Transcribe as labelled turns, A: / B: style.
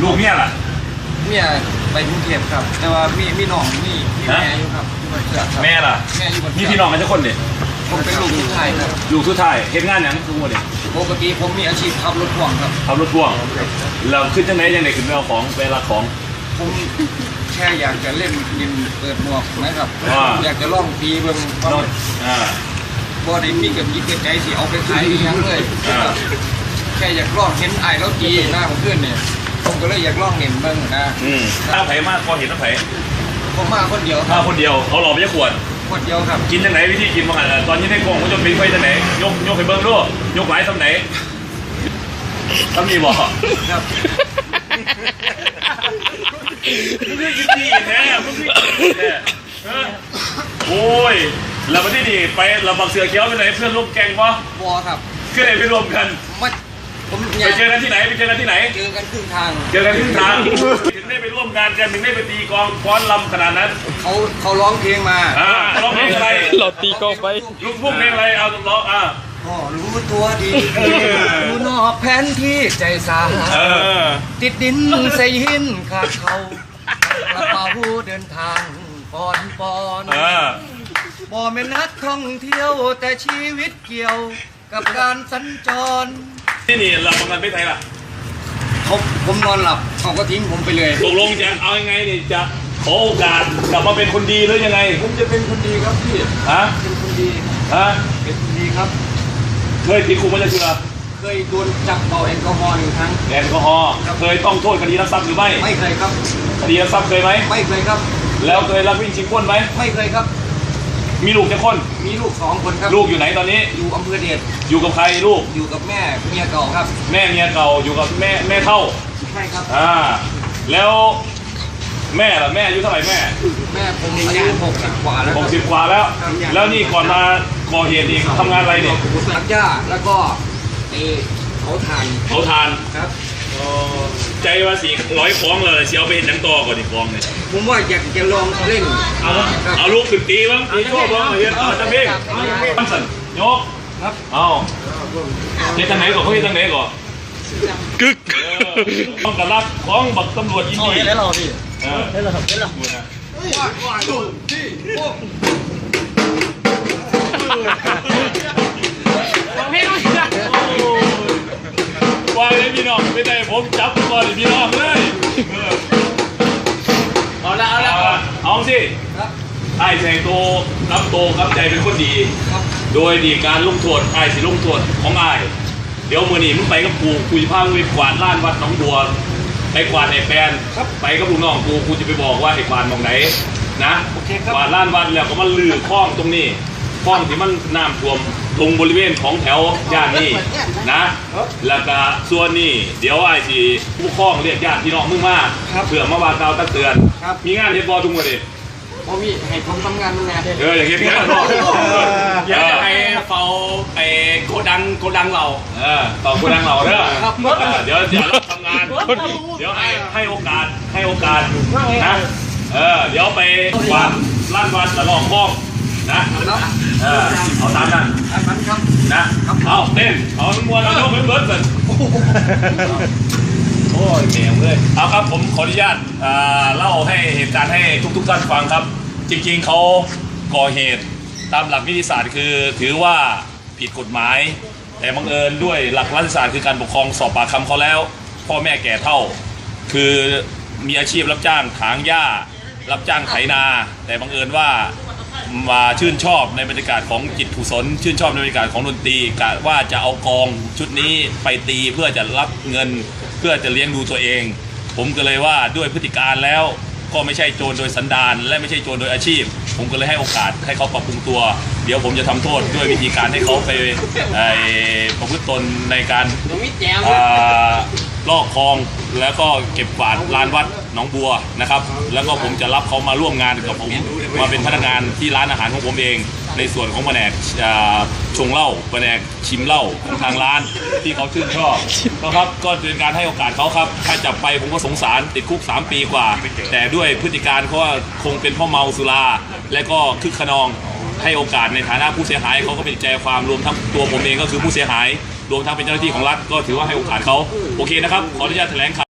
A: ลูกเมียล่ะ
B: เมียไปกรุงเทพครับแต่ว่ามีน้องมีแม่อยู่ครับ
A: แม่ล่ะ
B: แม่อยู่บน
A: มีพี่น้องกันทุกคนเนี่ย
B: ผมเป็นลูกสุดท้ายครับ
A: ลูกสุดท้ายเห็นงานอย่างทุกคนเนี่ย
B: ปกติผมมีอาชีพขับรถพ่วงครับ
A: ขับรถพ่วงเราขึ้นจังไหนยังไงขึ้นไปเอาของไปรับของ
B: ผมแค่อยากจะเล่นยินเปิดหมวกนะครับอยากจะล่องปีเบิ่งบ่ได้มีกับยิบใจสิเอาไปขายยังเลยแค่อยากล่องเห็นไอ้แล้วจีหน้าของเพื่อนเนี่ยผมก็เลยอยากล่องเห็นเบิ่งนะ
A: ถ้าไผ่มากพอเห็นน้ำไผ่
B: ผมมาคนเดียว
A: มาคนเดียวเขาหล่อไม่ใช่ขวด
B: เดียวครับ
A: กินจังไหนวิธีกินมาตอนนี้ในกล่องเขาจะเป็นไฟจังไหนยกไปเบิ้งด้วยยกไหลทำไหนทำนี่บอกครับมึงไม่กินดีแน่มึงไม่กินแน่โอ้ยแล้ววันที่นี่ไปเราบักเสือเขียวไปไหนเพื่อนร่วมแกงปะ
B: บอครับ
A: ก็เลยไปรวมกันไปเจอกันที่ไหนเจอกันครึ่งทาง
B: เจอกันครึ่งทาง
A: ถึงได้ไปร่วมงานกันถึงได้ไปตีกองฟ้อนลำขนาดนั้น
B: เขาร้องเพลงมา
A: ร้องเพลงอะไร
C: เราตีกองไป
A: ลูกเพลงอะไรเอาร้อง
B: รู้ตัวดีรู้นอกแผนที่ใจสาติดดินใส่หินขาดเขากระเป๋าเดินทางปอนบ่แม่นักท่องเที่ยวแต่ชีวิตเกี่ยวกับการสัญจร
A: ที่นี่เราทำงานไม่ไทยล่ะ
B: ผมนอนหลับเขาก็ทิ้งผมไปเลย
A: ตกลงจะเอายังไงนี่จะขอโอกาสกลับมาเป็นคนดีหรือยังไง
B: ผมจะเป็นคนดีครับพี่เป็นคนดีเป็นคนดีครับ
A: เคยติดคุกมาจะเชื่อ
B: เคยโดนจับเป่าแอลกอฮอล์1 ครั้ง
A: แอลกอฮอล์เคยต้องโทษคดีลักทรัพย์หรือ
B: ไม่เคยครับ
A: คดีลักทรัพย์เคยไหม
B: ไม่เคยครับ
A: แล้วเคยลักวิ่งชิงปล้นไหม
B: ไม่เคยครับ
A: มีลูกกี่คน
B: มีลูก2 คนครับ
A: ลูกอยู่ไหนตอนนี้
B: อยู่อำเภอเดช
A: อยู่กับใครลูก
B: อยู่กับแม่เมียเก่าครับ
A: แม่เมียเก่าอยู่กับแม่เท่า
B: ใช่ครับ
A: แล้วแม่ล่ะแม่อายุเท่าไหร่แม่
B: ผมอายุ60 กว่าแล้ว
A: 60 กว่าแล้วนี่ก่อนมาก่อเหตุอีกทำงานอะไรเนี่ย
B: ตัดหญ้าแล้วก็เผาถ่าน
A: ครับใจว่า400 คล้องเลยเสียเอาไปเห็นยังต่อก่อนอีกคล้องเนี่ย
B: ผมว่าอยากจะลองเล่น
A: เอาลูกขึ้นตีบ้างตีชั่วบ้างเห็นจังเบ้ตั้งสันยกครับเอาเฮ็ดทางไหนก่อนเขาเฮ็ดทางไหนก่อน
C: กึก
A: ต้องกระลักของบักตำรวจยินดี
B: แล้วเราพี่
A: แล้วเราแล้วเราว่าเลยพี่น้องไม่ได้ผมจับก่อนพี่น้องเลยเอาสิไอ้ใจโตรับโตครับใจเป็นคนดีโดยดีการลงโทษไอ้สิลงโทษของไอ้เดี๋ยวมือนี่มึงไปกับกูจะพามึงไปกวาดล้านวัดหนองบัวไปกวาดไอ้แฟนไปกับลูกน้องกูจะไปบอกว่าไอ้กวาดมองไหนนะกวาดล้านวัดแล้วก็มันลือคลองตรงนี้คลองที่มันน้ำท่วมตรงบริเวณของแถวย่านนี้นะแล้วก็ส่วนนี้เดี๋ยวไอ้สิผู้คลองเรียกญาติพี่น้องมึงมาเผื่อมาว่ากล่าวตักเตือนมีงานเฮ็ดบอทุกวันดิ
B: ผมมีให้ผมทำงานมึงไง
A: อย่างเงี้ยพี่น้อง
B: อยากให้เฝ้าไอ้โกดังเรา
A: ต่อโกดังเราเด้อเดี๋ยวเราทำงานเดี๋ยวให้โอกาสนะเดี๋ยวไปวางล้านวัดละลองคลองนะเอาตามนั้น
B: ครับ
A: นะเอาเต้นเอามวนเอาเบิร์ดเลยโอ้ยเมียเลยเอาครับผมขออนุญาตเล่าให้เหตุการณ์ให้ทุกท่านฟังครับจริงๆเขาก่อเหตุตามหลักวิทยาศาสตร์คือถือว่าผิดกฎหมายแต่บังเอิญด้วยหลักรัฐศาสตร์คือการปกครองสอบปากคำเขาแล้วพ่อแม่แก่เฒ่าคือมีอาชีพรับจ้างถางหญ้ารับจ้างไถนาแต่บังเอิญว่ามาชื่นชอบในบรรยากาศของจิตกุศลชื่นชอบในบรรยากาศของดนตรีกะว่าจะเอากองชุดนี้ไปตีเพื่อจะรับเงินเพื่อจะเลี้ยงดูตัวเองผมก็เลยว่าด้วยพฤติการแล้วก็ไม่ใช่โจรโดยสันดานและไม่ใช่โจรโดยอาชีพผมก็เลยให้โอกาสให้เขาปรับปรุงตัวเดี๋ยวผมจะทำโทษด้วยวิธีการให้เขาไปประพฤติตนในการลอกคลองแล้วก็เก็บกวาดลานวัดหนองบัวนะครับแล้วก็ผมจะรับเขามาร่วมงานกับผมมาเป็นพนักงานที่ร้านอาหารของผมเองในส่วนของแผนกชงเหล้าแผนกชิมเหล้าของทางร้านที่เขาชื่นชอบนะครับก็เป็นการให้โอกาสเขาครับถ้าจับไปผมก็สงสารติดคุก3 ปีกว่าแต่ด้วยพฤติการเขาว่าคงเป็นเพราะเมาสุราและก็คึกขนองให้โอกาสในฐานะผู้เสียหายเขาก็เป็นใจความรวมทั้งตัวผมเองก็คือผู้เสียหายรวมทั้งเป็นเจ้าหน้าที่ของรัฐก็ถือว่าให้โอกาสเขาโอเคนะครับขออนุญาตแถลงข่าว